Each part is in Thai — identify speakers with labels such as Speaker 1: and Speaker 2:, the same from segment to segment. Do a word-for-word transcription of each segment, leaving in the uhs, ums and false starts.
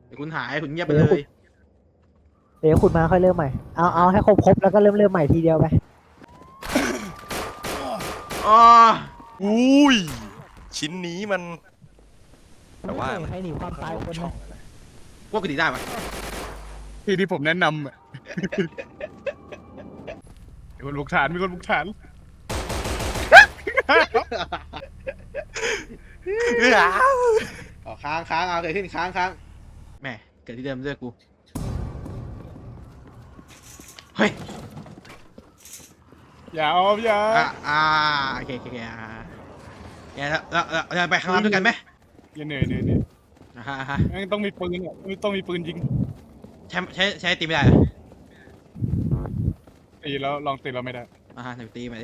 Speaker 1: ดี๋ยวคุณหายคุณเงียบไปเลย
Speaker 2: เดี๋ยวขุดมาค่อยเริ่มใหม่เอาเอาให้ครบครบแล้วก็เริ่มเริ่มใหม่ทีเดียวไป
Speaker 1: อ๋อ
Speaker 3: อุ้ยชิ้นนี้มันแต่ว่า
Speaker 2: ใครหนีความตายคน
Speaker 3: ช่อ
Speaker 2: นะ
Speaker 3: งอะไร
Speaker 1: พวกกูดีได้ปะ
Speaker 4: ที่ที่ผมแนะนำอะมีคนบุกฐานมีคนบุกฐาน
Speaker 1: อ๋อค้างค้างเอาเกิดขึ้นค้างค้างแหม่เกิดที่เดิมด้วยกูเฮ้ย
Speaker 4: อย่าออมอย่า
Speaker 1: อ่ะอ่าโอเคโอเคโอเคอ่าแกแล้วแล้วแล้วเราไปข้างล่างด้วยกันไหม
Speaker 4: อย่าเหนื่อยเหนื่อยเหนื่อย
Speaker 1: อ่าฮะอ่าฮะ
Speaker 4: แม่งต้องมีปืนอ่ะต้องมีปืนยิง
Speaker 1: ใช้ใช้ใช้ตีไม่ได้เหรอ
Speaker 4: ตีแล้วลองตีเราไม่ได้
Speaker 1: อ่าฮะไหนตีมาดิ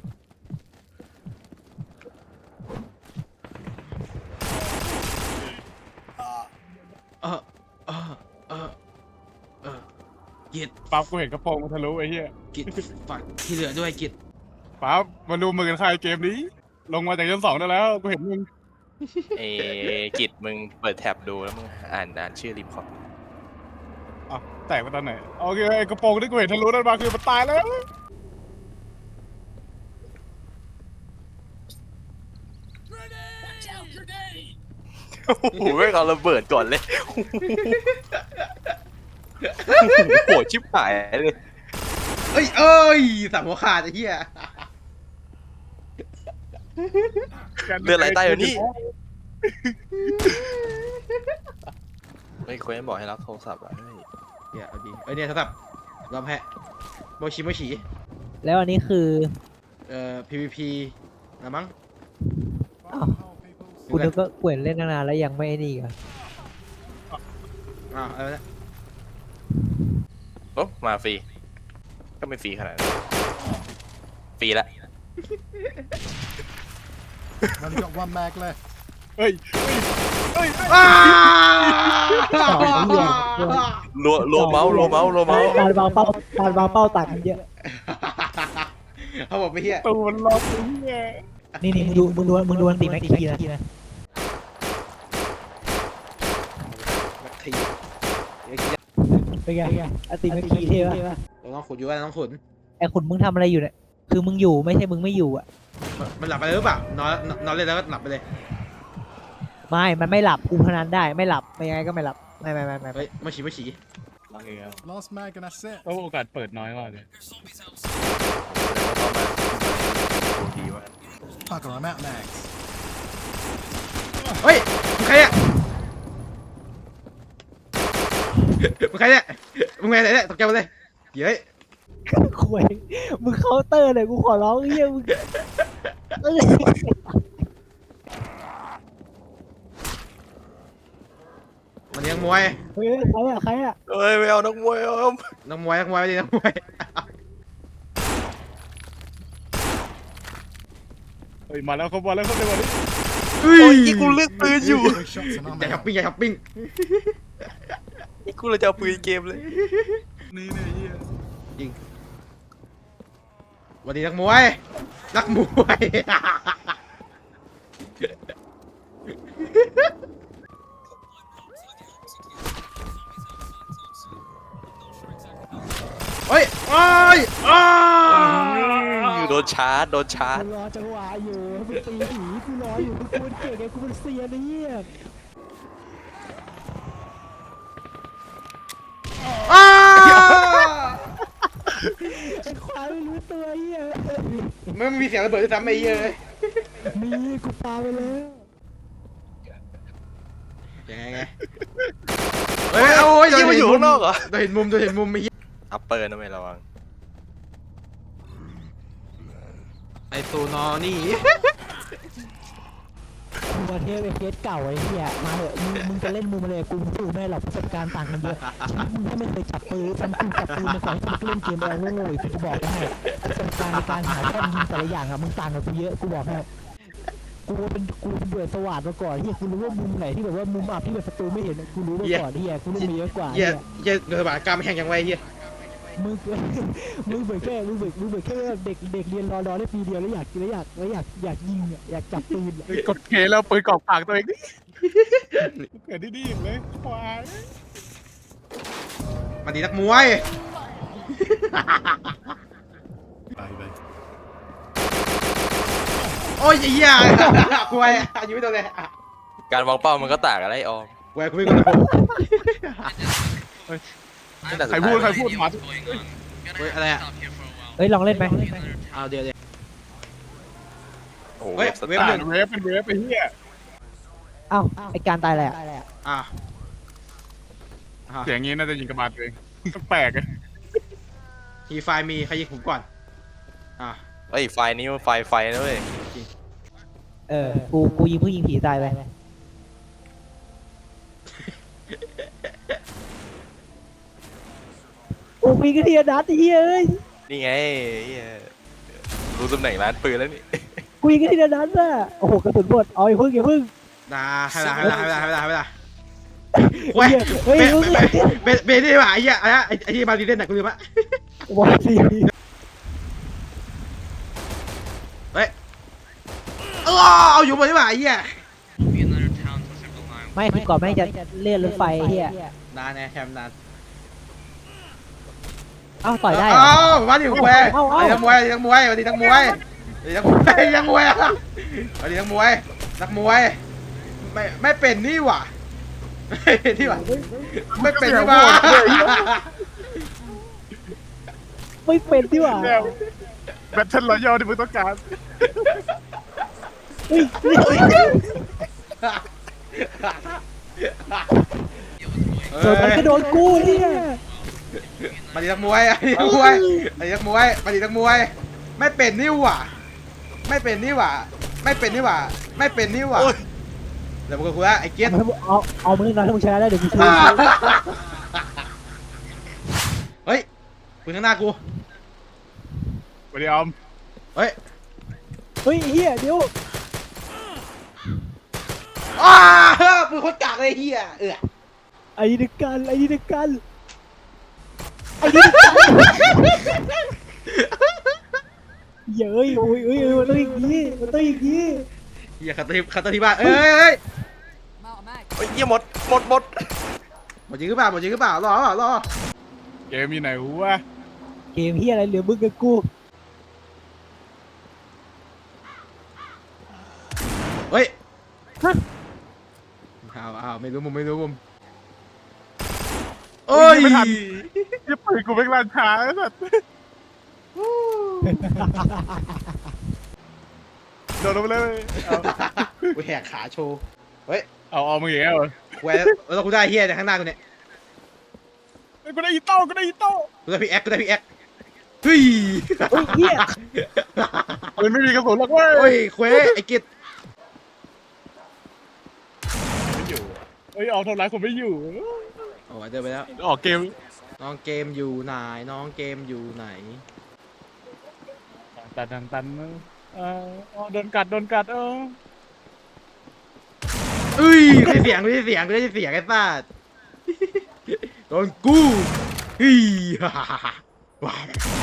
Speaker 1: เออเออเออเออกิด
Speaker 4: ปั๊บกูเห็นกระโปรงมันทะลุไอ้เหี้ย
Speaker 1: กิดฝากที่เหลือด้วยกิด
Speaker 4: ปั๊บมาดูมือกันใครเกมนี้ ลงมาจากชั้นสองได้แล้วกูเห็นมึง
Speaker 3: เอกิจมึงเปิดแท็บดูแล้วมึงอ่านอ่านชื่อรีพอร์ต
Speaker 4: อ่ะแตกมาตอนไหนโอเคไอ้กระโปรงที่กูเห็นทะลุนั่นมาคือมันตายแล้ว
Speaker 3: โอ้โหไม่เอาระเบิดก่อนเลยโหชิบหายเลย
Speaker 1: เอ้ยเอ้ยสามหัวขาดไอ้เหี้ย
Speaker 3: เลือดไหลใต้อยู่นี่ไม่ควรบอกให้รับโทรศัพท์อ่ะเฮ้ย
Speaker 1: เดี๋ยวเอาดีเอ้ยเนี่ยโทรศัพท์รอมแพะโมชิโมชิ
Speaker 2: แล้วอันนี้คือ
Speaker 1: เอ่อ พี วี พี นะมั้ง
Speaker 2: อ้าวกูนึกว่าเกวยนเล่นนานแล้วยังไม่ไอ้นี่กัน
Speaker 1: อ้าวอะไรนะ
Speaker 3: โอ้มาฟรีก็ไม่ฟรีขนาดนั้นฟรีละ
Speaker 5: Only got one mag left.
Speaker 4: เฮ้ยเฮ้ย
Speaker 1: อ้า
Speaker 2: ต่อเหี้ย
Speaker 3: รัวรัวเมาส์รัวเมาส์รัวเมาส์
Speaker 2: การวางเป้าการวางเป้าต่างกันเยอะ
Speaker 1: เขาบอกไม่เหี้ย
Speaker 4: ตูมันล็อกไอ้เหี้ย
Speaker 2: นี่นี่มึงดูมึงดูมึงดูอันตีแม็กกี้นะ
Speaker 1: ทีเดี๋ยวคิด
Speaker 2: เป็นไงอันตีแม็กกี้เท่ปะ
Speaker 1: เราต้องขุดอยู่ว่าต้องขุด
Speaker 2: ไอ้ขุนมึงทำอะไรอยู่เนี่ยคือมึงอยู่ไม่ใช่มึงไม่อยู่อ่ะ
Speaker 1: มันมันหลับไปเลยหรือเปล่านอนนอนเล่นแล้วก็หลับไปเลย
Speaker 2: ไม่มันไม่หลับกูพนันได้ไม่หลับไม่ยังไงก็ไม่หลับไม่ไม่ไม่ไม่
Speaker 1: เฮ้ยโมชิโมชิ
Speaker 5: Last mag and that's it.
Speaker 4: โอ้โอกาสเปิดน้อยมากเลย
Speaker 3: ดีวะ
Speaker 5: Bugger, I'm out mags.
Speaker 1: เฮ้ยมึงใครเนี่ยมึงใครเนี่ยมึงไงเนี่ยตกใจหมดเลยเฮ้ย
Speaker 2: คุยมึงเคาน์เตอร์เลยกูขอร้องเฮียมึงเอ้ย
Speaker 1: มันยังมวย
Speaker 2: เฮ้ยใครอะใครอะ
Speaker 3: เฮ้ยไม่เอานักมวยเอา
Speaker 1: นักมวยนักมวยไม่ดีนักมวย
Speaker 4: เฮ้ยมาแล้วเขามาแล้วเขาเร็วกว่านี้
Speaker 1: เฮ้
Speaker 3: โอ้ยอีกูเลือกปืนอยู่
Speaker 5: Three shots and
Speaker 1: อย่า
Speaker 5: I'm
Speaker 1: ช้อป
Speaker 5: out.
Speaker 1: ปิ้งอย่าช้อปปิ้ง
Speaker 3: อีกูเลยจะเอาปืนเกมเลย
Speaker 4: นี่เนี่ยเหี้ย
Speaker 1: จริงวันนี้นักมวยนักมวย เฮ้ยโอ้ยอ้า
Speaker 3: โดนชาร์จโดนชาร์จ
Speaker 2: กูรอจังหวะอยู่มึงตีผีกูรออยู่มึงกูเป็นเก่งไงกูเป็นเซียนไอ้เหี้ย
Speaker 1: อ้า
Speaker 2: ไอ้ควายไม่รู้ตัวเหี้ย
Speaker 1: ไม่มีเสียงระเบิดด้วยซ้ำไอ้เหี้ยเลย
Speaker 2: มีกูปาไปแล้ว
Speaker 1: ยังไงไงเฮ้ยโอ้ย
Speaker 3: ยี่มาอยู่ข้างนอกเหรอ
Speaker 1: โดนเห็นมุมโดนเห็นมุมไอ้เหี้ย
Speaker 3: อัปเปอร์นะไม่ระวัง
Speaker 1: ไอ้ตัวนอนี่
Speaker 2: กูประเทศเป็นเคสเก่าไอ้เหี้ยมาเถอะมึงมึงจะเล่นมุมอะไรกูสู้ไม่หรอกประสบการณ์ต่างกันเยอะมึงถ้าไม่เคยจับปืนทำกูจับปืนมาสอนให้มึงเล่นเกมอะไรโง่ๆอีกกูบอกให้ประสบการณ์ในการหาแค่ยิงแต่ละอย่างอะมึงต่างกับกูเยอะกูบอกให้กูเป็นกูเป็นเบื่อสวัสดมาก่อนเฮียกูรู้ว่ามุมไหนที่แบบว่ามุมอับที่แบบศัตรูไม่เห็นกูรู้มาก่อนเฮียกูเล่นมาเยอะกว่า
Speaker 1: เหี้
Speaker 2: เฮี
Speaker 1: ย
Speaker 2: ย
Speaker 1: เหี้ยโดนบาดกล้ามแห้งยังไงเหี้ย
Speaker 2: มมึงมึงเบิกแค่มึงเบิกมึงเบิกแค่เด็กเด็กเรียนรอรอได้ปีเดียวแล้วอยากแล้วอยากแล้วอยากอยากยิงอ่ะอยากจับปืน
Speaker 4: เฮ้ยกดเคแล้วปืนกรอกปากตัวเองดิเกิดดีๆเลยควาย
Speaker 1: มาดีนักมวย
Speaker 5: Baby.
Speaker 1: โอ้ยไอ้เหี้ยกวยอายุไม่โดนเลย
Speaker 3: การวางเป้ามันก็ต่างกันไอ้ออม
Speaker 1: กวยกูไม่กดโผล่
Speaker 3: ตั้งแต่
Speaker 4: ใครพูดใครพูดหมา
Speaker 1: เฮ้ยอะไรอ่ะ
Speaker 2: เฮ้ยลองเล่นไหม
Speaker 1: เอาเดี๋ยวเดี๋ยว
Speaker 3: โอ้โห
Speaker 1: เฮ้ย
Speaker 3: ส
Speaker 1: เว็บ
Speaker 3: ตา
Speaker 1: ห
Speaker 3: ร์
Speaker 1: นึ่
Speaker 3: ท
Speaker 1: ง
Speaker 4: เวฟเป็นเวฟไปเฮีย
Speaker 2: เอ้าไอการตายแหละ
Speaker 1: อ่ะ
Speaker 4: เสียงงี้น่าจะยิงกระบาดตัวเองแปลกเลย
Speaker 1: ฮีไฟมีใครยิงผมก่อนอ่ะ
Speaker 3: เอ้ยไฟนี้มันไฟไฟนะเว้ย
Speaker 2: เออกูกูยิงผู้ยิงผีตายไปโอ้มีกระเทียนัดเฮ้ย
Speaker 3: นี่ไงเหี้ยรู้ตำแหน่งร้านปืนแล้วนี่
Speaker 2: กูยิงกระเทียนัดอ่ะโอ้โหกระสุนหมดเอาอย่าพึ่งอย่าพึ่ง
Speaker 1: นาให้เวลาให้เวลาให้เวลาให้เวลาให้เวลาเว้ย
Speaker 2: เฮ้ย
Speaker 1: เบ
Speaker 2: มึง
Speaker 1: เบเบเบนี่ว่ะไอ้เหี้ยอะไรไอ้ไอ้ที่มาดีเล่นน่ะกูลืมละ
Speaker 2: วอร์ซี
Speaker 1: เฮ้ยเออเอาอยู่บนนี่ว่ะไอ้เหี้ย
Speaker 2: ไม่คือก่อนแม่งจะเลื่อนรถไฟเฮีย
Speaker 1: นานแน่แคมนาน
Speaker 2: เอ้าต่อยได้
Speaker 1: เอ้ามาดิมวย
Speaker 2: เอ้าเอ้า
Speaker 1: ไอ้นักมวยไอ้นักมวยไอ้นักมวยไอ้นักมวยไอ้นักมวยไอ้นักมวยนักมวยไม่ไม่เป็นนี่หว่าไม่เป็นนี่หว่าไม่เป็นนี่หว่า
Speaker 2: ไม่เป็นดีกว่า
Speaker 4: เนี่ยแบทเทิลรอยัลที่มึงต้องการ
Speaker 2: เฮ้ยเฮ้ยโดนมันก็โดนกูเนี่ย
Speaker 1: มาดินักมวยไอ้นักมวยไอ้นักมวยมาดินักมวยไม่เป็นนี่หว่าไม่เป็นนี่หว่าไม่เป็นนี่หว่าไม่เป็นนี่หว่าเดี๋ยวมึงก็คุยว่าไอ้เกียร์
Speaker 2: เอาเอามึงนะถ้ามึงชนะได้เดี๋ยวกูช่วย
Speaker 1: เฮ้ยปืนข้างหน้ากู
Speaker 4: สวัสดีออม
Speaker 1: เฮ้ย
Speaker 2: เฮ้ยเฮียเดี๋ยว
Speaker 1: อ้าปืนโคตรกากเลยเฮียเออ
Speaker 2: ไอ้นี่กันไอ้นี่กันไอ้นี่กันเย้ยโอ้ยเอ้ยเอ้ยมันต้องอย่างนี้มันต้องอย่างนี้
Speaker 1: เฮียขัดตัวที่ขัดตัวที่บ้านเอ้ยเอ้ย
Speaker 3: เฮ้ยเหี้ยหมดหมดหมด
Speaker 1: หมดจริงหรือเปล่าหมดจริงหรือเปล่ารอเปล่ารอ
Speaker 4: เกมอยู่ไหนวะ
Speaker 2: เกมเฮียอะไรเหลือมึงกับกู
Speaker 1: เฮ้ย
Speaker 2: ฮะ
Speaker 1: อ้าวอ้าวไม่รู้มุมไม่รู้มุมโอ้ย
Speaker 4: ยี่ปืนกูเป็นลานช้าไอ้สัสโดนลงไปเลยเอา
Speaker 1: กูแหกขาโชว์เฮ้ย
Speaker 4: เอาเอามึงอย่างเงี้ยเหรอ
Speaker 1: แหวนแล้วกูได้เฮียจากข้างหน้ากูเนี่ย
Speaker 4: เฮ้ยกูได้อีโต้กูได้อีโต้
Speaker 1: กูได้พี่แอ๊กกูได้พี่แอ๊กเฮ้ย
Speaker 2: เฮ้ยเฮีย
Speaker 4: ปืนไม่มีกระสุนหรอกเว้ย
Speaker 1: โอ้ยเควไอ้กิจ
Speaker 4: ไม่อยู่เฮ้ยออกทำร้ายคนไม่อยู่
Speaker 1: โอ้ยเดินไปแล้ว
Speaker 4: ออกเกม
Speaker 1: น้องเกมอยู่ไหนน้องเกมอยู่ไหน
Speaker 4: ตันตันตันเอออ๋อโดนกัดโดนกัดเออ
Speaker 1: เอ้ยกูได้เสียงกูได้เสียงกูได้เสียงไอ้สัสโดนกูเฮ้ยว้าว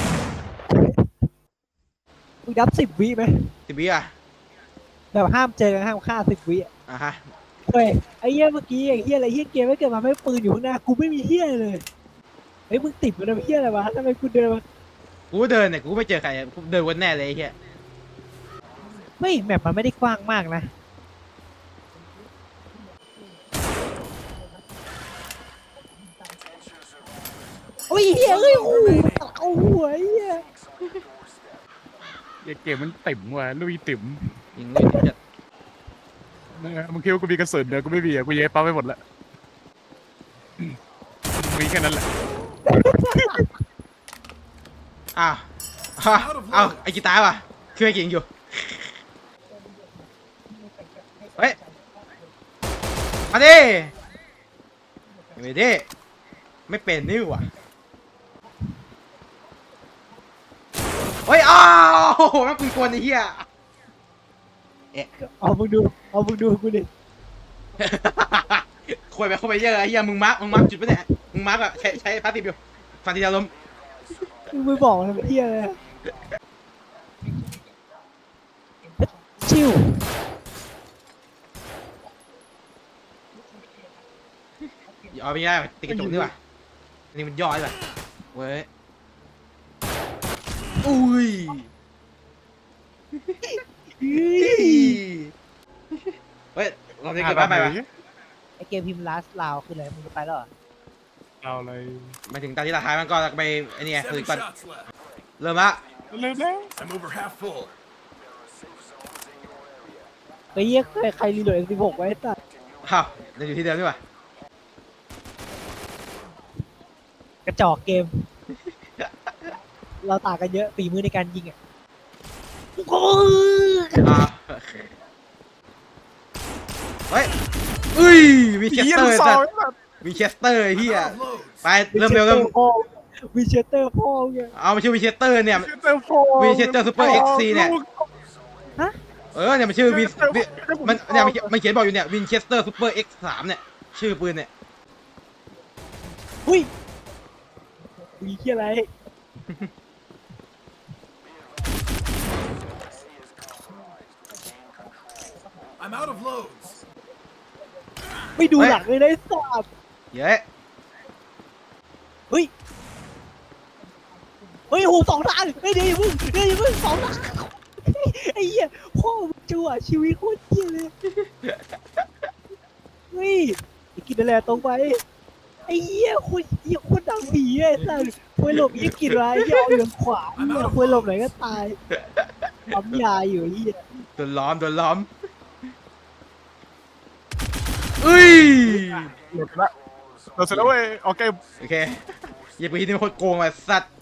Speaker 2: มึงนับสิบวิไหม
Speaker 1: สิบวิอ่ะ
Speaker 2: แบบห้ามเจอกันห้ามฆ่าสิบวิ
Speaker 1: อ่ะฮะ
Speaker 2: เฮ้ยไอ้เหี้ยเมื่อกี้ไอ้เหี้ยอะไรเหี้ยเกมไม่เกิดมาไม่ปืนอยู่ข้างหน้ากูไม่มีเหี้ยเลยเฮ้ยมึงติดมันเป็นเหี้ยอะไรวะทำไมกูเดินมา
Speaker 1: กูเดินเนี่ยกูไม่เจอใครกูเดินวนแน่เลยไอ้เหี้ย
Speaker 2: ไม่แมปมันไม่ได้กว้างมากนะโอ้ยเหี้ยเอ้ยโอ้ยเอาหัวไอ้เหี้ย
Speaker 4: เกมมันติ่มว่ะลุยติ่ม
Speaker 1: ยิงเลยจะ
Speaker 4: เนี่ยมึงคิดว่ากูมีกระสุนเดี๋ยวกูไม่มีอ่ะกูเย็บปั๊มไปหมดละมีแค่นั้นแหละ
Speaker 1: อ้าวอ้าวอ้าวไอ้กีตาร์ว่ะคือไอ้กิ่งอยู่เฮ้ยมาดิไม่ดิไม่เป็นนี่หว่ะเฮ้ยอ้าวโอ้โหแม่งปืนกลไอ้เหี้ย
Speaker 2: เอามึงดูเอามึงดูกูดิ
Speaker 1: คุยไปคุยไปเยอะไอ้เหี้ยมึงมาร์กมึงมาร์กจุดปะเนี่ยมึงมาร์กอะใช้ใช้พาสติฟอยู่ฟันทีเดียวล้ม
Speaker 2: มึงไม่บอกทำเพี้ยเลยชิว
Speaker 1: เอาไม่ได้ว่ะติดกระจกนี่ว่ะอันนี่มันย่อยว่ะเว้ยอุ้ยเฮ้ยเราจะเก็บบ้านไปปะ
Speaker 2: ไอเกมพิมพ์ลาสลาวคืออะไรมึงจะไปแล้วเหรอ
Speaker 4: เอาอะไร
Speaker 1: มาถึงตอนที่เราท้ายมันก็ไปไอ้นี่ไงคือ
Speaker 5: Seven
Speaker 1: ก่อน
Speaker 5: shots left.
Speaker 1: เริ่มละ
Speaker 4: เร็วแล้ว
Speaker 5: I'm over half full.
Speaker 2: ไอ้เหี้ยใครใครรีโหลดสิบหกไว้ตัด
Speaker 1: อ้าวเราอยู่ที่เดิมดีกว่าก
Speaker 2: ระจอกเกม เราต่างกันเยอะฝีมือในการยิงอ่ะโอ้ย
Speaker 1: อ่าเฮ้ยอุ้ยวิเชส
Speaker 4: เหี้ย
Speaker 1: เตอ
Speaker 4: ลูก
Speaker 1: ร์
Speaker 4: ซ
Speaker 1: สั
Speaker 4: อ
Speaker 1: ต
Speaker 4: ง
Speaker 1: ว์
Speaker 4: แบบ
Speaker 1: วิเชสเตอร์เฮีย
Speaker 5: Out of loads.
Speaker 1: ไปเริ่มเร็วเริ่ม
Speaker 2: วิเชสเตอร์พ่อเนี่ย
Speaker 1: เอามาชื่อวิเชสเตอร์เนี่ย
Speaker 4: เจอโฟ
Speaker 1: Winchester Super เอ็กซ์ ซี เนี่ย
Speaker 2: ฮะ
Speaker 1: เออเนี่ยมันชื่อวินวิมันเนี่ยมันเขียนมันเขียนบอกอยู่เนี่ยวินเชสเตอร์ซูเปอร์เอ็กซ์สามเนี่ยชื่อปืนเนี่ย
Speaker 2: หุ้ยมีเหี้ยอะไร
Speaker 5: I'm out of loads.
Speaker 2: ไม่ดูหลังเลยนะไอ้สัตว์
Speaker 1: เย้
Speaker 2: เฮ้ย เฮ้ยโหสองทางเฮ้ยเดี๋ยวมึงเดี๋ยวมึงสองทางไอ้เหี้ยพ่อมึงจั่วชีวิตโคตรเหี้ยเลย เฮ้ยไอ้กินอะไรตรงไป ไอ้เหี้ยโคตรเหี้ยโคตรดังผีไอ้สัสควยหลบยี่กินไรเหี้ยเอาเหลืองขวาเหี้ยควยหลบไหนก็ตายปั๊มยาอยู่ไอ้เหี้ย
Speaker 1: โดนล้อมโดนล้อมอุ้ย
Speaker 4: หลุดละเราเสร็จแล้วเว้ยโอเค
Speaker 1: โอเคอย่าไปที่นี่โคตรโกงอ่ะสัตว์